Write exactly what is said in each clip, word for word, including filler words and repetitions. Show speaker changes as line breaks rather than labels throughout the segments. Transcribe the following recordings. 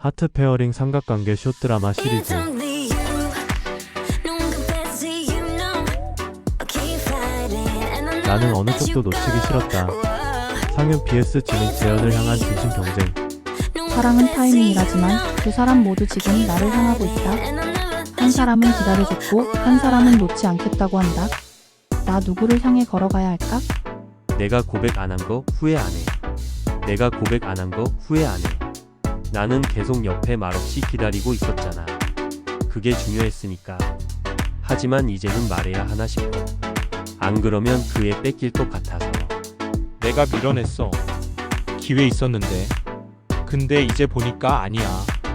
하트 페어링 삼각관계 숏드라마 시리즈. 나는 어느 쪽도 놓치기 싫었다. 상윤 vs 지민 재현을 향한 진심 경쟁.
사랑은 타이밍이라지만 두 사람 모두 지금 나를 향하고 있다. 한 사람은 기다려줬고 한 사람은 놓지 않겠다고 한다. 나 누구를 향해 걸어가야 할까?
내가 고백 안 한 거 후회 안 해. 내가 고백 안 한 거 후회 안 해. 나는 계속 옆에 말없이 기다리고 있었잖아. 그게 중요했으니까. 하지만 이제는 말해야 하나 싶어. 안 그러면 그애 뺏길 것 같아서.
내가 밀어냈어. 기회 있었는데. 근데 이제 보니까 아니야.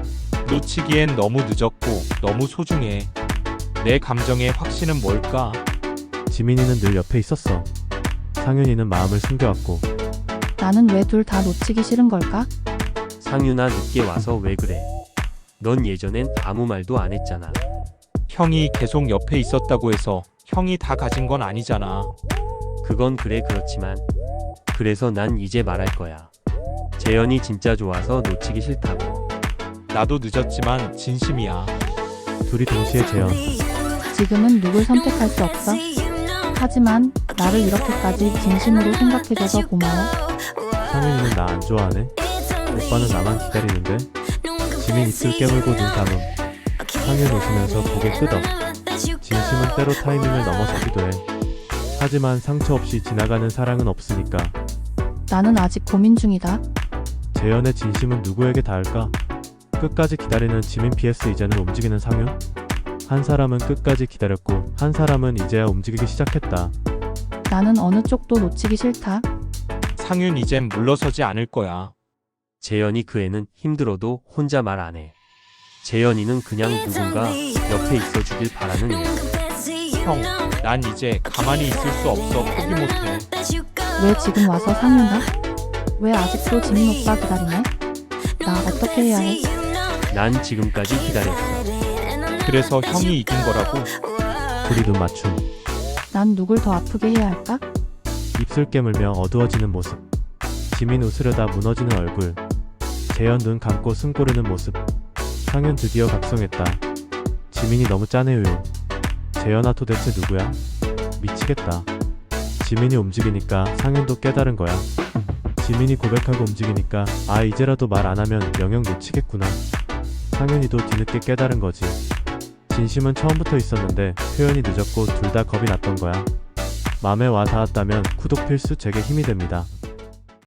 놓치기엔 너무 늦었고 너무 소중해. 내 감정의 확신은 뭘까?
지민이는 늘 옆에 있었어. 상윤이는 마음을 숨겨왔고.
나는 왜 둘 다 놓치기 싫은 걸까?
상윤아, 늦게 와서 왜 그래? 넌 예전엔 아무 말도 안 했잖아.
형이 계속 옆에 있었다고 해서 형이 다 가진 건 아니잖아.
그건 그래 그렇지만 그래서 난 이제 말할 거야. 재현이 진짜 좋아서 놓치기 싫다고.
나도 늦었지만 진심이야.
둘이 동시에 재현.
지금은 누굴 선택할 수 없어. 하지만 나를 이렇게까지 진심으로 생각해줘서 고마워.
상윤이는 나 안 좋아하네. 오빠는 나만 기다리는데. 지민 입술 깨물고 눈 감음. 상윤 웃으면서 고개 끄덕. 진심은 때로 타이밍을 넘어서기도 해. 하지만 상처 없이 지나가는 사랑은 없으니까.
나는 아직 고민 중이다.
재현의 진심은 누구에게 닿을까? 끝까지 기다리는 지민 vs 이제는 움직이는 상윤? 한 사람은 끝까지 기다렸고 한 사람은 이제야 움직이기 시작했다.
나는 어느 쪽도 놓치기 싫다.
상윤 이젠 물러서지 않을 거야.
재현이 그 애는 힘들어도 혼자 말 안 해. 재현이는 그냥 누군가 옆에 있어 주길 바라는 애야.
형, 난 이제 가만히 있을 수 없어. 포기 못해.
왜 지금 와서 상윤아? 왜 아직도 지민 오빠 기다리네? 나 어떻게 해야 해?
난 지금까지 기다렸어.
그래서 형이 이긴 거라고.
둘이 눈 맞춤.
난 누굴 더 아프게 해야 할까?
입술 깨물며 어두워지는 모습. 지민 웃으려다 무너지는 얼굴. 재현 눈 감고 숨 고르는 모습. 상윤 드디어 각성했다. 지민이 너무 짜네요. 재현아 도대체 누구야? 미치겠다. 지민이 움직이니까 상윤도 깨달은 거야. 지민이 고백하고 움직이니까 아 이제라도 말 안 하면 영영 놓치겠구나. 상윤이도 뒤늦게 깨달은 거지. 진심은 처음부터 있었는데 표현이 늦었고 둘 다 겁이 났던 거야. 맘에 와 닿았다면 구독 필수 제게 힘이 됩니다.